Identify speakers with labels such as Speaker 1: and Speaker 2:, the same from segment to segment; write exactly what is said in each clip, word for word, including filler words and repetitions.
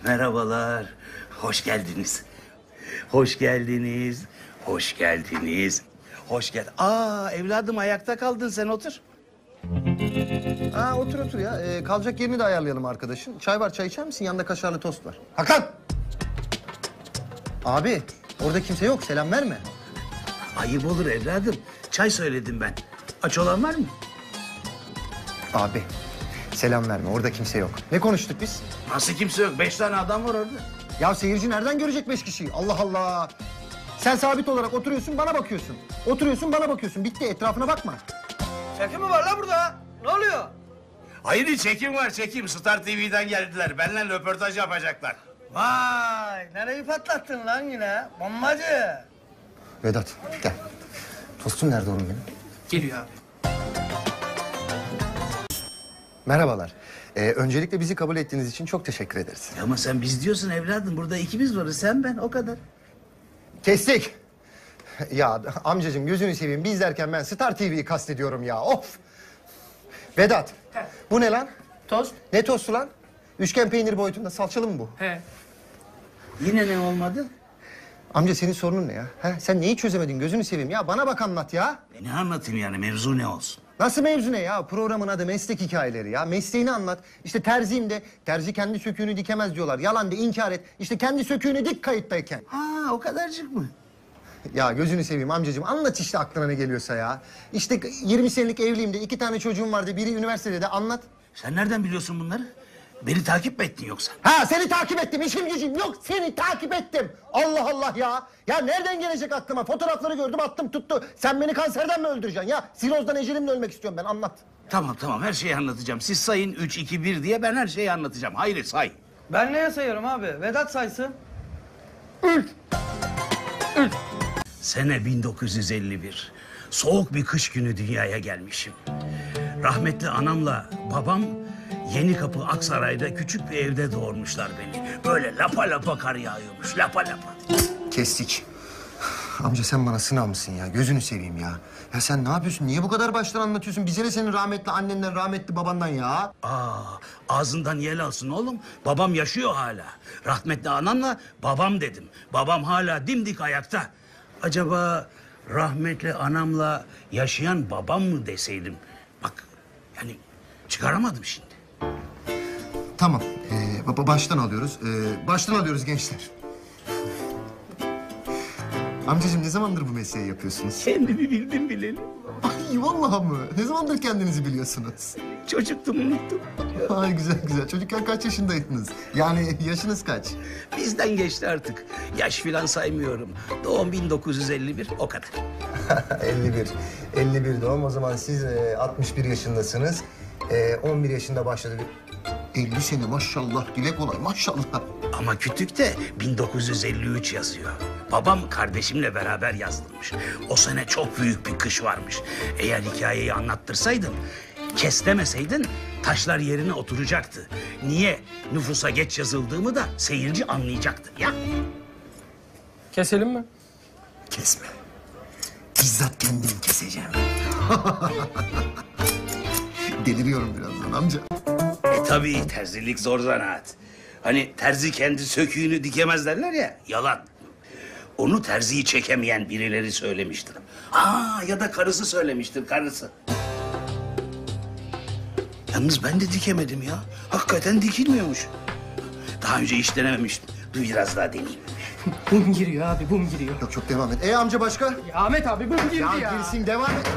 Speaker 1: Merhabalar. Hoş geldiniz. Hoş geldiniz. Hoş geldiniz. Hoş gel. Aa evladım ayakta kaldın sen otur.
Speaker 2: Ha otur otur ya. Ee, kalacak yerini de ayarlayalım arkadaşın. Çay var, çay içer misin? Yanında kaşarlı tost var. Hakan! Abi, orada kimse yok. Selam verme.
Speaker 1: Ayıp olur evladım. Çay söyledim ben. Aç olan var mı?
Speaker 2: Abi, selam verme. Orada kimse yok. Ne konuştuk biz?
Speaker 1: Nasıl kimse yok? Beş tane adam var orada.
Speaker 2: Ya seyirci nereden görecek beş kişiyi? Allah Allah! Sen sabit olarak oturuyorsun, bana bakıyorsun. Oturuyorsun, bana bakıyorsun. Bitti, etrafına bakma.
Speaker 3: Çekim mi var la burada? Ne oluyor?
Speaker 1: Hayır çekim var çekim. Star T V'den geldiler. Benimle röportaj yapacaklar.
Speaker 3: Vay, nereyi patlattın lan yine? Bombacı.
Speaker 2: Vedat, gel. Tostum nerede oğlum benim?
Speaker 3: Geliyor abi.
Speaker 2: Merhabalar. Ee, öncelikle bizi kabul ettiğiniz için çok teşekkür ederiz.
Speaker 1: Ama sen biz diyorsun evladım. Burada ikimiz varız. Sen ben o kadar.
Speaker 2: Kestik. Ya amcacığım gözünü seveyim. Biz derken ben Star T V'yi kastediyorum ya. Of. Vedat. Bu ne lan?
Speaker 3: Tost.
Speaker 2: Ne tostu lan? Üçgen peynir boyutunda salçalı mı bu?
Speaker 3: He.
Speaker 1: Yine ne olmadı?
Speaker 2: Amca senin sorunun ne ya? Ha? Sen neyi çözemedin gözünü seveyim ya? Bana bak anlat ya.
Speaker 1: E ne anlatayım yani mevzu ne olsun?
Speaker 2: Nasıl mevzu ne ya? Programın adı meslek hikayeleri ya. Mesleğini anlat. İşte terziyim de terzi kendi söküğünü dikemez diyorlar. Yalan de inkar et. İşte kendi söküğünü dik kayıttayken.
Speaker 1: Ha o kadarcık mı?
Speaker 2: Ya gözünü seveyim amcacığım anlat işte aklına ne geliyorsa ya. İşte yirmi senelik evliyim de iki tane çocuğum vardı. Biri üniversitede de anlat.
Speaker 1: Sen nereden biliyorsun bunları? Beni takip mi ettin yoksa?
Speaker 2: Ha seni takip ettim işim gücüm yok seni takip ettim. Allah Allah ya. Ya nereden gelecek aklıma? Fotoğrafları gördüm attım tuttu. Sen beni kanserden mi öldüreceksin ya? Sirozdan ecelimle ölmek istiyorum ben anlat.
Speaker 1: Tamam tamam her şeyi anlatacağım. Siz sayın üç, iki, bir diye ben her şeyi anlatacağım. Hayır say.
Speaker 3: Ben neye sayıyorum abi? Vedat saysın.
Speaker 1: Sene bin dokuz yüz elli bir. Soğuk bir kış günü dünyaya gelmişim. Rahmetli anamla babam Yenikapı Aksaray'da küçük bir evde doğurmuşlar beni. Böyle lapa lapa kar yağıyormuş, lapa lapa.
Speaker 2: Kestik. Amca sen bana sınav mısın ya? Gözünü seveyim ya. Ya sen ne yapıyorsun? Niye bu kadar baştan anlatıyorsun? Bize ne senin rahmetli annenden, rahmetli babandan ya?
Speaker 1: Aa, ağzından yel alsın oğlum. Babam yaşıyor hala. Rahmetli anamla babam dedim. Babam hala dimdik ayakta. Acaba rahmetli anamla yaşayan babam mı deseydim? Bak yani çıkaramadım şimdi.
Speaker 2: Tamam. Ee, baba baştan alıyoruz. Ee, baştan alıyoruz gençler. Amcacığım ne zamandır bu mesleği yapıyorsunuz?
Speaker 1: Kendimi bildim bileli.
Speaker 2: Ay vallahi mı? Ne zamandır kendinizi biliyorsunuz?
Speaker 1: Çocuktum unuttum.
Speaker 2: Ay güzel güzel. Çocukken kaç yaşındaydınız? Yani yaşınız kaç?
Speaker 1: Bizden geçti artık. Yaş filan saymıyorum. Doğum bin dokuz yüz elli bir o kadar.
Speaker 2: elli bir. elli bir doğum. O zaman siz e, altmış bir yaşındasınız. E, on bir yaşında başladı. elli sene maşallah. Dile kolay maşallah.
Speaker 1: Ama kütükte bin dokuz yüz elli üç yazıyor. Babam kardeşimle beraber yazılmış. O sene çok büyük bir kış varmış. Eğer hikayeyi anlattırsaydım, kes demeseydin taşlar yerine oturacaktı. Niye nüfusa geç yazıldığımı da seyirci anlayacaktı ya.
Speaker 3: Keselim mi?
Speaker 2: Kesme. Bizzat kendim keseceğim. Deliriyorum birazdan amca.
Speaker 1: E tabii terzilik zor zanaat. Hani terzi kendi söküğünü dikemez derler ya, yalan. Onu terziyi çekemeyen birileri söylemiştir. Aa ya da karısı söylemiştir, karısı. Yalnız ben de dikemedim ya. Hakikaten dikilmiyormuş. Daha önce hiç denememiştim. Dur biraz daha deneyeyim.
Speaker 3: Bum giriyor abi, bum giriyor.
Speaker 2: Yok çok devam et. E amca başka?
Speaker 3: Ya Ahmet abi bum girdi ya.
Speaker 2: Ya girsin devam et.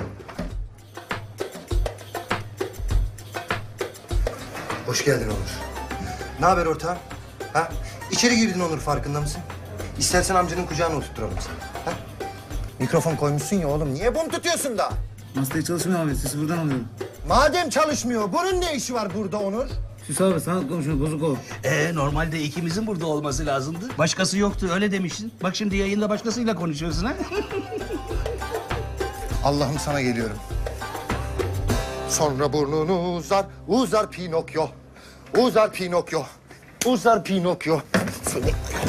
Speaker 2: Hoş geldin Onur. Ne haber ortağım? Ha? İçeri girdin Onur farkında mısın? İstersen amcanın kucağına oturturalım seni. Ha? Mikrofon koymuşsun ya oğlum. Niye bum tutuyorsun da?
Speaker 4: Masaya çalışmıyor abi. Sesi buradan alıyorum.
Speaker 2: Madem çalışmıyor, bunun ne işi var burada Onur?
Speaker 4: Süs abi sanat komşunu bozuk o.
Speaker 1: Ee, normalde ikimizin burada olması lazımdı. Başkası yoktu, öyle demiştin. Bak şimdi yayında başkasıyla konuşuyorsun ha.
Speaker 2: Allah'ım sana geliyorum. Sonra burnunu uzar, uzar Pinokyo. Uzar Pinokyo. Uzar Pinokyo. Seni...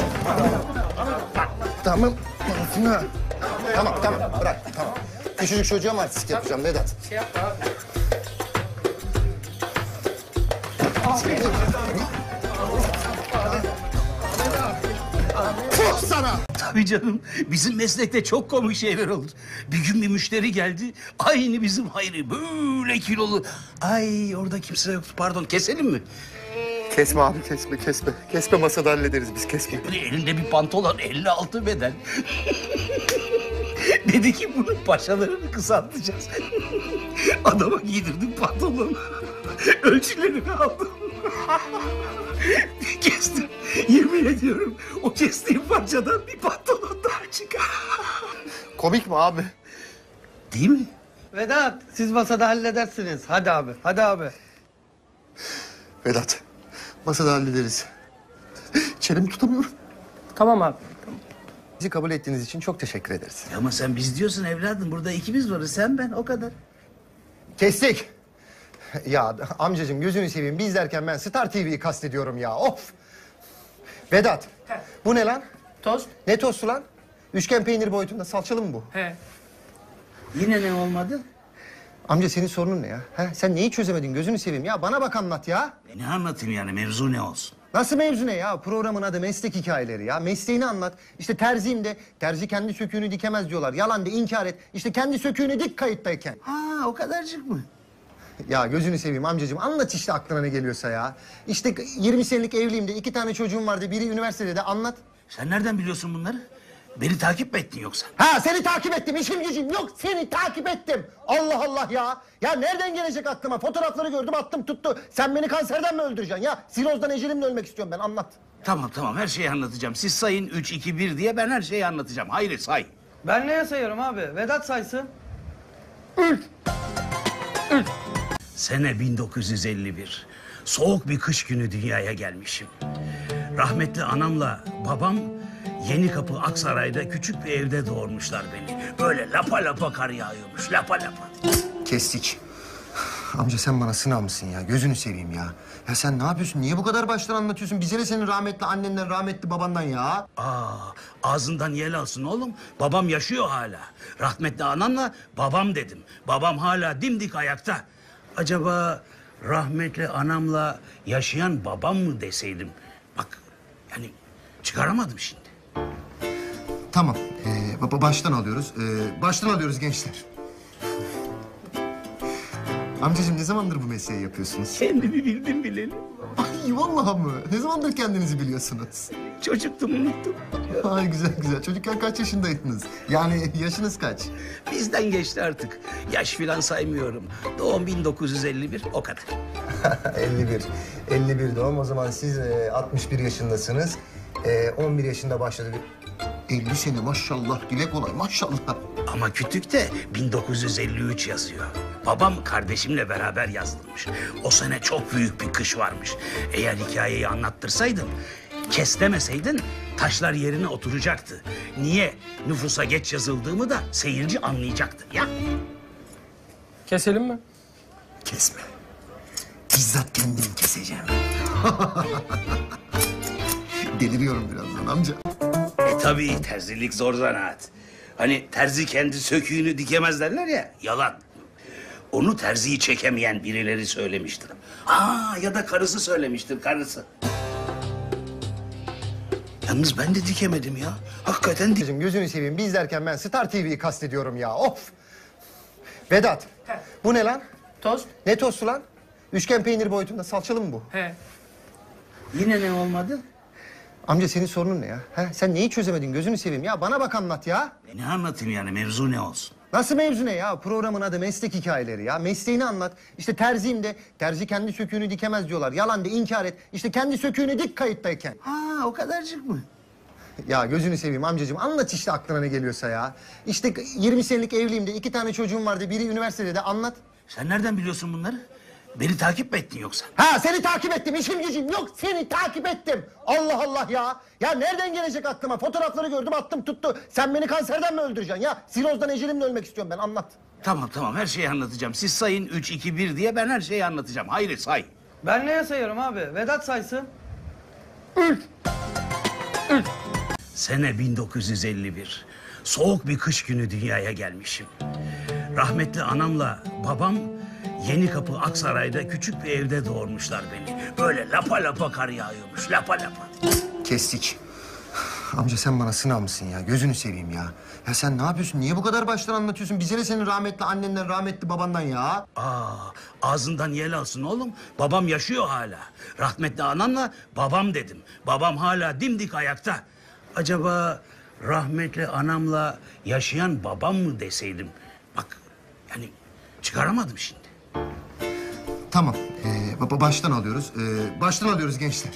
Speaker 2: Tamam. Tamam. Tamam, tamam. Bırak, tamam. Küçücük çocuğa mı artistik yapacağım Vedat?
Speaker 3: Şey yapma abi.
Speaker 2: sana.
Speaker 1: Tabii canım. Bizim meslekte çok komik şeyler olur. Bir gün bir müşteri geldi. Aynı bizim Hayri. Böyle kilolu. Ay orada kimse yoktu. Pardon keselim mi?
Speaker 2: Kesme abi kesme kesme. Kesme masada hallederiz biz kesme.
Speaker 1: Böyle elinde bir pantolon elli altı beden. Dedi ki bunun paçalarını kısaltacağız. Adama giydirdim pantolonu. Ölçülerini aldım. Kestim. Yemin ediyorum o kestiğim parçadan bir pantolon daha çıkar.
Speaker 2: Komik mi abi?
Speaker 1: Değil mi?
Speaker 3: Vedat siz masada halledersiniz. Hadi abi hadi abi.
Speaker 2: Vedat masada hallederiz. Çenemi tutamıyorum.
Speaker 3: Tamam abi.
Speaker 2: Bizi kabul ettiğiniz için çok teşekkür ederiz.
Speaker 1: Ama sen biz diyorsun evladım. Burada ikimiz varız. Sen ben o kadar.
Speaker 2: Kestik. Ya amcacığım gözünü seveyim biz derken ben Star T V'yi kastediyorum ya of. Vedat bu ne lan?
Speaker 3: Tost.
Speaker 2: Ne tostu lan? Üçgen peynir boyutunda salçalı mı bu?
Speaker 3: He.
Speaker 1: Yine ne olmadı?
Speaker 2: Amca senin sorunun ne ya? Ha? Sen neyi çözemedin gözünü seveyim ya bana bak anlat ya.
Speaker 1: E ne anlatayım yani mevzu ne olsun?
Speaker 2: Nasıl mevzu ne ya? Programın adı meslek hikayeleri ya. Mesleğini anlat. İşte terziyim de terzi kendi söküğünü dikemez diyorlar. Yalan de inkar et. İşte kendi söküğünü dik kayıttayken.
Speaker 1: Ha o kadarcık mı?
Speaker 2: Ya gözünü seveyim amcacığım anlat işte aklına ne geliyorsa ya. İşte yirmi senelik evliyim de iki tane çocuğum vardı. Biri üniversitede de anlat.
Speaker 1: Sen nereden biliyorsun bunları? Beni takip mi ettin yoksa?
Speaker 2: Ha seni takip ettim işim gücüm yok seni takip ettim. Allah Allah ya. Ya nereden gelecek aklıma? Fotoğrafları gördüm attım tuttu. Sen beni kanserden mi öldüreceksin ya? Sirozdan ecelimle ölmek istiyorum ben anlat.
Speaker 1: Tamam tamam her şeyi anlatacağım. Siz sayın üç, iki, bir diye ben her şeyi anlatacağım. Hayır say.
Speaker 3: Ben neye sayıyorum abi? Vedat saysın.
Speaker 1: Sene bin dokuz yüz elli bir. Soğuk bir kış günü dünyaya gelmişim. Rahmetli anamla babam Yenikapı Aksaray'da küçük bir evde doğurmuşlar beni. Böyle lapa lapa kar yağıyormuş, lapa lapa.
Speaker 2: Kestik. Amca sen bana sınav mısın ya? Gözünü seveyim ya. Ya sen ne yapıyorsun? Niye bu kadar baştan anlatıyorsun? Bize ne senin rahmetli annenden, rahmetli babandan ya?
Speaker 1: Aa, ağzından yel alsın oğlum. Babam yaşıyor hala. Rahmetli anamla babam dedim. Babam hala dimdik ayakta. Acaba rahmetli anamla yaşayan babam mı deseydim? Bak yani çıkaramadım şimdi.
Speaker 2: Tamam. Ee, baba baştan alıyoruz. Ee, baştan alıyoruz gençler. Amcacığım ne zamandır bu mesleği yapıyorsunuz?
Speaker 1: Kendimi bildim bileli.
Speaker 2: Ay vallahi mı? Ne zamandır kendinizi biliyorsunuz?
Speaker 1: Çocuktum unuttum.
Speaker 2: Ay güzel güzel. Çocukken kaç yaşındaydınız? Yani yaşınız kaç?
Speaker 1: Bizden geçti artık. Yaş filan saymıyorum. Doğum bin dokuz yüz elli bir o kadar.
Speaker 2: elli bir. elli bir doğum. O zaman siz e, altmış bir yaşındasınız. E, on bir yaşında başladı. elli sene maşallah. Dile kolay maşallah.
Speaker 1: Ama kütükte bin dokuz yüz elli üç yazıyor. Babam kardeşimle beraber yazdırmış. O sene çok büyük bir kış varmış. Eğer hikayeyi anlattırsaydım, kes demeseydin taşlar yerine oturacaktı. Niye nüfusa geç yazıldığımı da seyirci anlayacaktı ya.
Speaker 3: Keselim mi?
Speaker 2: Kesme. Bizzat kendim keseceğim. Deliriyorum birazdan amca.
Speaker 1: E tabii terzilik zor zanaat. Hani terzi kendi söküğünü dikemez derler ya, yalan. Onu terziyi çekemeyen birileri söylemiştir. Aa ya da karısı söylemiştir, karısı. Yalnız ben de dikemedim ya. Hakikaten dik...
Speaker 2: Amcacığım gözünü seveyim. Biz derken ben Star T V'yi kastediyorum ya. Of. Vedat. Bu ne lan?
Speaker 3: Tost.
Speaker 2: Ne tostu lan? Üçgen peynir boyutunda salçalı mı bu?
Speaker 3: He.
Speaker 1: Yine ne olmadı?
Speaker 2: Amca senin sorunun ne ya? Ha? Sen neyi çözemedin gözünü seveyim ya? Bana bak anlat ya.
Speaker 1: E ne anlatayım yani mevzu ne olsun?
Speaker 2: Nasıl mevzu ne ya? Programın adı meslek hikayeleri ya. Mesleğini anlat. İşte terziyim de terzi kendi söküğünü dikemez diyorlar. Yalan de inkar et. İşte kendi söküğünü dik kayıttayken.
Speaker 1: Ha o kadarcık mı?
Speaker 2: Ya gözünü seveyim amcacığım anlat işte aklına ne geliyorsa ya. İşte yirmi senelik evliyim de iki tane çocuğum vardı. Biri üniversitede de anlat.
Speaker 1: Sen nereden biliyorsun bunları? Beni takip mi ettin yoksa?
Speaker 2: Ha seni takip ettim işim gücüm yok seni takip ettim. Allah Allah ya. Ya nereden gelecek aklıma? Fotoğrafları gördüm attım tuttu. Sen beni kanserden mi öldüreceksin ya? Sirozdan ecelimle ölmek istiyorum ben anlat.
Speaker 1: Tamam tamam her şeyi anlatacağım. Siz sayın üç, iki, bir diye ben her şeyi anlatacağım. Hayır say.
Speaker 3: Ben neye sayıyorum abi? Vedat saysın.
Speaker 1: Sene bin dokuz yüz elli bir. Soğuk bir kış günü dünyaya gelmişim. Rahmetli anamla babam Yenikapı Aksaray'da küçük bir evde doğurmuşlar beni. Böyle lapa lapa kar yağıyormuş, lapa lapa.
Speaker 2: Kestik. Amca sen bana sınav mısın ya? Gözünü seveyim ya. Ya sen ne yapıyorsun? Niye bu kadar baştan anlatıyorsun? Bize ne senin rahmetli annenden, rahmetli babandan ya?
Speaker 1: Aa, ağzından yel alsın oğlum. Babam yaşıyor hala. Rahmetli anamla babam dedim. Babam hala dimdik ayakta. Acaba rahmetli anamla yaşayan babam mı deseydim? Bak yani çıkaramadım şimdi.
Speaker 2: Tamam. Ee, baba baştan alıyoruz. Ee, baştan alıyoruz gençler.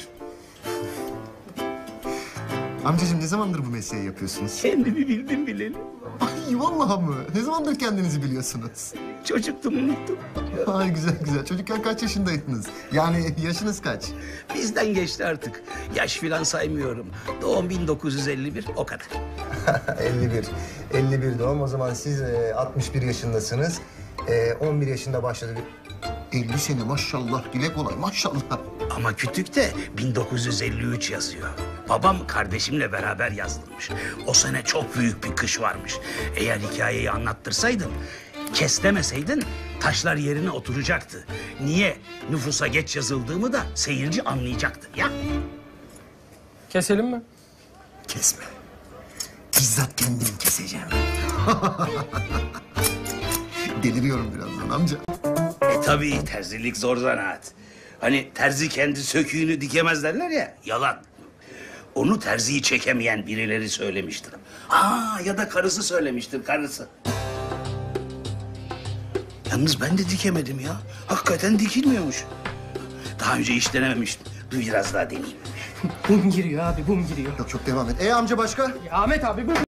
Speaker 2: Amcacığım ne zamandır bu mesleği yapıyorsunuz?
Speaker 1: Kendimi bildim bileli.
Speaker 2: Ay vallahi mı? Ne zamandır kendinizi biliyorsunuz?
Speaker 1: Çocuktum unuttum.
Speaker 2: Ay güzel güzel. Çocukken kaç yaşındaydınız? Yani yaşınız kaç?
Speaker 1: Bizden geçti artık. Yaş filan saymıyorum. Doğum bin dokuz yüz elli bir o kadar.
Speaker 2: elli bir. elli bir doğum. O zaman siz e, altmış bir yaşındasınız. E, on bir yaşında başladı. elli sene maşallah. Dile kolay maşallah.
Speaker 1: Ama kütükte bin dokuz yüz elli üç yazıyor. Babam kardeşimle beraber yazdırmış. O sene çok büyük bir kış varmış. Eğer hikayeyi anlattırsaydım, kes demeseydin taşlar yerine oturacaktı. Niye nüfusa geç yazıldığımı da seyirci anlayacaktı ya.
Speaker 5: Keselim mi?
Speaker 2: Kesme. Bizzat kendim keseceğim. Deliriyorum birazdan amca.
Speaker 1: E tabii terzilik zor zanaat. Hani terzi kendi söküğünü dikemez derler ya, yalan. Onu terziyi çekemeyen birileri söylemiştir. Aa ya da karısı söylemiştir, karısı. Yalnız ben de dikemedim ya. Hakikaten dikilmiyormuş. Daha önce hiç denememiştim. Dur biraz daha deneyeyim.
Speaker 5: Bum giriyor abi, bum giriyor.
Speaker 2: Yok çok devam et. E amca başka?
Speaker 5: Ya Ahmet abi bu